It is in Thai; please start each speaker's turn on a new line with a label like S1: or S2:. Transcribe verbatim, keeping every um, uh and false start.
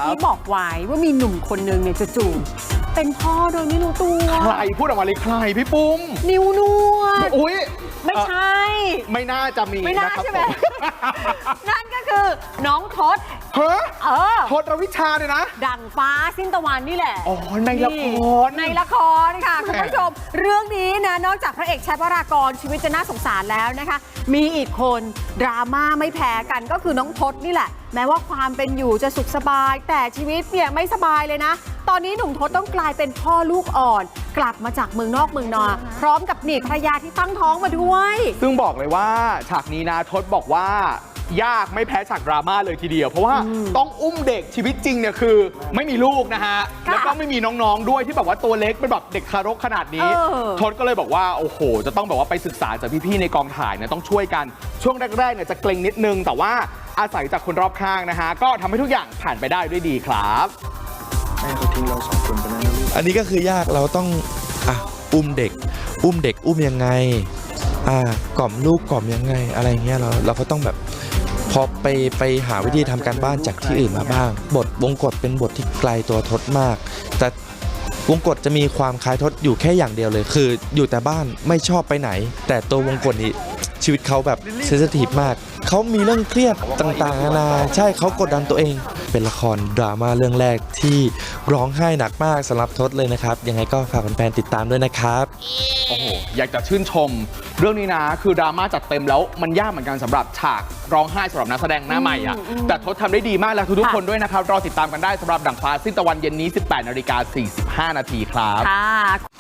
S1: อกี้บอกไว้ว่ามีหนุ่มคนนึงเนี่ยจู่ๆเป็นพ่อโดยไม่รู้ตัว
S2: ใครพูดออกมาเลยใครพี่ปุ้ม
S1: นิ้วนวด
S2: อุ้ย
S1: ไม่ใช่
S2: ไม่น่าจะมี
S1: ไม่น่าใช่ไหมนั่นก็คือน้องทศ
S2: เฮ้
S1: เออ
S2: ทศรวิชาเนี่ยนะ
S1: ดั่งฟ้าสิ้นตะวันนี่แหละ
S2: อ๋อในละคร
S1: ในละครค่ะคุณผู้ชมเรื่องนี้นะนอกจากพระเอกแชทวรากรชีวิตจะน่าสงสารแล้วนะคะมีอีกคนดราม่าไม่แพ้กันก็คือน้องทศนี่แหละแม้ว่าความเป็นอยู่จะสุขสบายแต่ชีวิตเนี่ยไม่สบายเลยนะตอนนี้หนุ่มทศต้องกลายเป็นพ่อลูกอ่อนกลับมาจากเมืองนอกเมืองนาพร้อมกับหนีภรรยาที่ตั้งท้องมาด้วย
S2: ซึ่งบอกเลยว่าฉากนี้นะทศบอกว่ายากไม่แพ้ฉากดราม่าเลยทีเดียวเพราะว่าต้องอุ้มเด็กชีวิตจริงเนี่ยคือไม่มีลูกนะฮะแล้วก็ไม่มีน้องๆด้วยที่แบบว่าตัวเล็กเป็นแบบเด็กทารกขนาดนี้ทศก็เลยบอกว่าโอ้โหจะต้องแบบว่าไปศึกษาจากพี่ๆในกองถ่ายเนี่ยต้องช่วยกันช่วงแรกๆเนี่ยจะเกรงนิดนึงแต่ว่าอาศัยจากคนรอบข้างนะฮะก็ทำให้ทุกอย่างผ่านไปได้ด้วยดีครับ
S3: แม่เขาทิ้งเราสองคนไปแล้วนะลูก
S4: อันนี้ก็คือยากเราต้องอ่ะอุ้มเด็ก อุ้มเด็กอุ้มยังไงอ่ากล่อมลูกกล่อมยังไงอะไรเงี้ยเราเราก็ต้องแบบพอไปไปหาวิธีทำการบ้านจากที่อื่นมาบ้างบทวงกฏเป็นบทที่ไกลตัวทศมากแต่วงกฏจะมีความคล้ายทศอยู่แค่อย่างเดียวเลยคืออยู่แต่บ้านไม่ชอบไปไหนแต่ตัววงกฏนี่ชีวิตเขาแบบเซนซิทีฟมากเขามีเรื่องเครียดต่างๆนานาใช่เขากดดันตัวเองเป็นละครดราม่าเรื่องแรกที่ร้องไห้หนักมากสำหรับทศเลยนะครับยังไงก็ฝากแฟนๆติดตามด้วยนะครับ
S2: โอ้โหอยากจะชื่นชมเรื่องนี้นะคือดราม่าจัดเต็มแล้วมันยากเหมือนกันสำหรับฉากร้องไห้สำหรับนักแสดงหน้าใหม่อ่ะแต่ทศทำได้ดีมากแล้วทุกๆคนด้วยนะครับรอติดตามกันได้สำหรับดั่งฟ้าสิ้นตะวันเย็นนี้ สิบแปดนาฬิกาสี่สิบห้านาทีครับ